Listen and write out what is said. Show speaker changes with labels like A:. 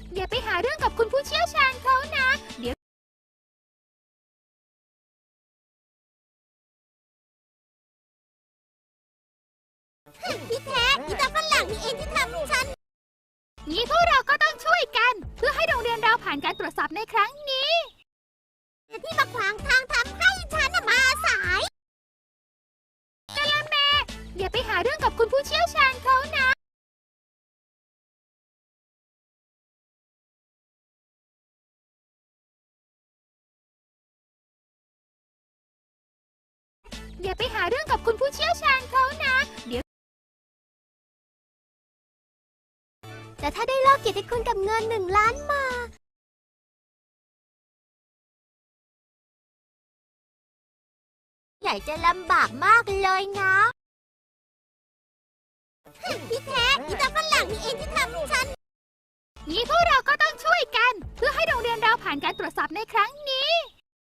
A: อย่าไปหาเรื่องกับคุณผู้เชี่ยวชาญเขานะเดี๋ยว
B: ที่แท้อีตาฝรั่งนี่เองที่ทำฉัน
A: งี้พวกเราก็ต้องช่วยกันเพื่อให้โรงเรียนเราผ่านการตรวจสอบในครั้งนี้
B: ที่มาขวางทางทำให้ฉันมาสาย
A: อย่าไปหาเรื่องกับคุณผู้เชี่ยวชาญเขานะอย่าไปหาเรื่องกับคุณผู้เชี่ยวชาญเขานะเดี๋ยว
B: แต่ถ้าได้ลอกเกียรติคุณกับเงิน1 ล้านมาใหญ่จะลำบากมากเลยนะที่แท้อีตาฝรั่งนี่เองที่ทำฉัน
A: งี้พวกเราก็ต้องช่วยกันเพื่อให้โรงเรียนเราผ่านการตรวจสอบในครั้งนี้